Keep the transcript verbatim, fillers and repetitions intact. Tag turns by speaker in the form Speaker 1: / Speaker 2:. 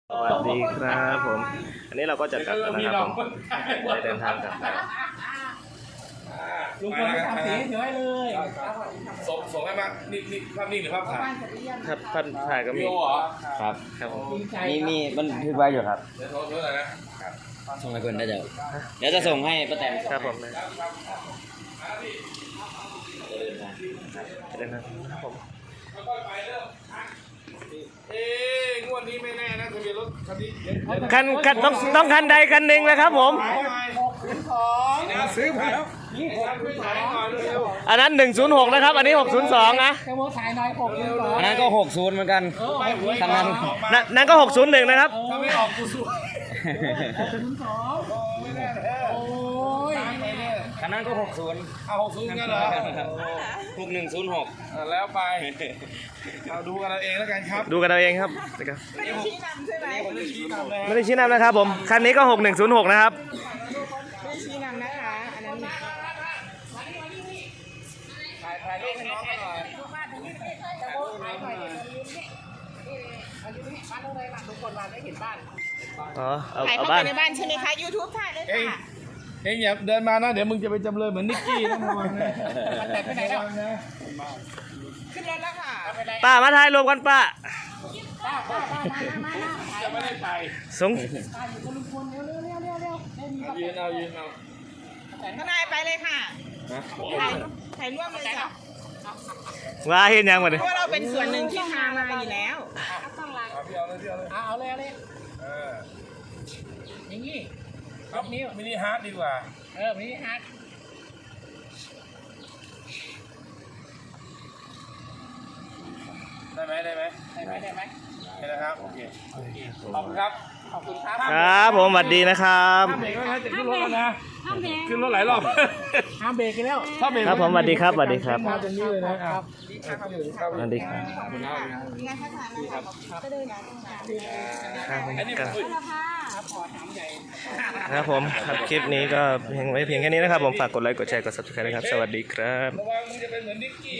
Speaker 1: สวัสดีครับผมอันนี้เราก็จะกลับแล้วนะครับผมได้เดินทางกลับแล้ว
Speaker 2: ลุงพลไม่ทำสีเฉยเลย
Speaker 3: ส่งส่งให้มานี่นี่ภาพนิ่งหรือภาพถ่าย
Speaker 1: ถ้าพันถ่ายก็มี
Speaker 3: วิดีโอเหรอ
Speaker 4: ครับ
Speaker 1: ครับผม
Speaker 4: มีมีมันทึกไว้อยู่ครับ
Speaker 3: เดี๋ยวโทรโทรหน่อยนะ
Speaker 4: ส่งให้คนได้เดี๋ยวเดี๋ยวจะส่งให้ป้าแตน
Speaker 1: ครับผมนะเดินทางครับผม
Speaker 3: ค่อยๆไปเริ่มเอ๊ะงวดนี้ไม่แน่นะทะเบียนรถคันนี้เดี๋ยวเดี๋ยว
Speaker 1: คันคันต้องต้องคันใดคันหนึ่งนะครับผม
Speaker 3: ซื้อมาแล้วนี่คุยถ่ายหน่อยเร็ว
Speaker 1: อันนั้นหนึ่งศูนย์หกนะครับอันนี้หกศูนย์สองนะ
Speaker 2: แค่โมถ่ายหน่อยหกเลยก่อน
Speaker 4: อันนั้นก็หกศูนย์เหมือนกัน
Speaker 3: ๆไปหวย
Speaker 4: ทางนั้น
Speaker 3: ออกมา
Speaker 1: นั่นนั่นก็หกศูนย์หนึ่งนะครับ
Speaker 3: ถ้าไม่ออกกูสู้
Speaker 2: ศูนย์สองโอ้ย
Speaker 4: คันนั้นก็หกศูนย์
Speaker 3: เอาหกศูนย์กันเหรอ
Speaker 4: หกหนึ่งศูนย์หก
Speaker 3: อ่ะแล้วไปเอาดูกันเอาเองแล้วกันครับ
Speaker 1: ดูกันเอาเองครับนะครับ
Speaker 3: ไม่ได้ชี้นำใช่ไหมไม่ได้ชี้นำเลย
Speaker 1: ไม่ได้ชี้นำนะครับผมคันนี้ก็หกหนึ่งศูนย์หกนะครับ
Speaker 5: ไม่ชี้นำนะคะ อันนั้น
Speaker 3: ถ่ายถ่ายรูปให้น้องเขาหน่อย
Speaker 1: อ๋อเอา
Speaker 5: ถ่าย
Speaker 1: เอา
Speaker 5: เข้า
Speaker 1: บ้า
Speaker 5: ไป
Speaker 1: น
Speaker 5: ในบ้านใช่ไหมคะ YouTube ถ่ายเลย
Speaker 3: เอง
Speaker 5: ค่ะ
Speaker 3: เองอย่าเดินมานะเดี๋ยวมึงจะไปจำเลยเหมือนนิกกี้นะระวังนะ
Speaker 5: แต่ไปไหนแล้ว
Speaker 3: ระวังนะ
Speaker 5: ขึ้นรถแล้วค่ะ
Speaker 1: ป้ามาถ่ายรวมกันป้า
Speaker 3: จะไม่ได้ไป
Speaker 1: สง
Speaker 3: ยืนเอายืนเอา
Speaker 5: ทนายไปเลยค่ะ ถ่ายถ่ายร่วมเลยจ้ะ
Speaker 1: ว่าเห็นยังมา
Speaker 5: เพ
Speaker 1: ดิ
Speaker 5: ราะว่าเราเป็นส่วนหนึ่งที่พามาอยู่แล้ว
Speaker 3: เอาพี่เอาเลยพี่เอาเลย
Speaker 2: เอาเลยเอาเลย
Speaker 3: เออ
Speaker 2: อย่างงี้
Speaker 3: ครับมินิฮาร์ดดีกว่า
Speaker 2: เออพี่ฮัก
Speaker 3: ได้ไหมได้ไหม
Speaker 2: ได้ไหมได้ไหม
Speaker 3: ได้นะครับโอเคขอบคุณครับ
Speaker 2: ขอบคุณครับ
Speaker 1: ครับผมสวัสดีนะครับ
Speaker 3: ห้ามเบรกไว้นะจะขึ้นรถแล้วนะขึ้นรถหลายรอบ
Speaker 2: ห้ามเบรกกันแล้ว
Speaker 3: ถ้าเบรก
Speaker 1: ครับผมสวัสดีครับสวัสดีครับ
Speaker 3: มาตรงนี้เลยนะครับ
Speaker 1: สวัสดีครับ
Speaker 5: งานพัฒนาค่ะก็เดินงาน
Speaker 1: ครับผม
Speaker 3: อันนี้
Speaker 1: ครับ
Speaker 3: คุย
Speaker 1: ครับผมครับคลิปนี้ก็เพียงไว้เพียงแค่นี้นะครับผมฝากกดไลค์กดแชร์กด ซับสไครบ์ นะครับสวัสดีครับ
Speaker 3: ระวังมึงจะเป็นเหมือนนิกกี้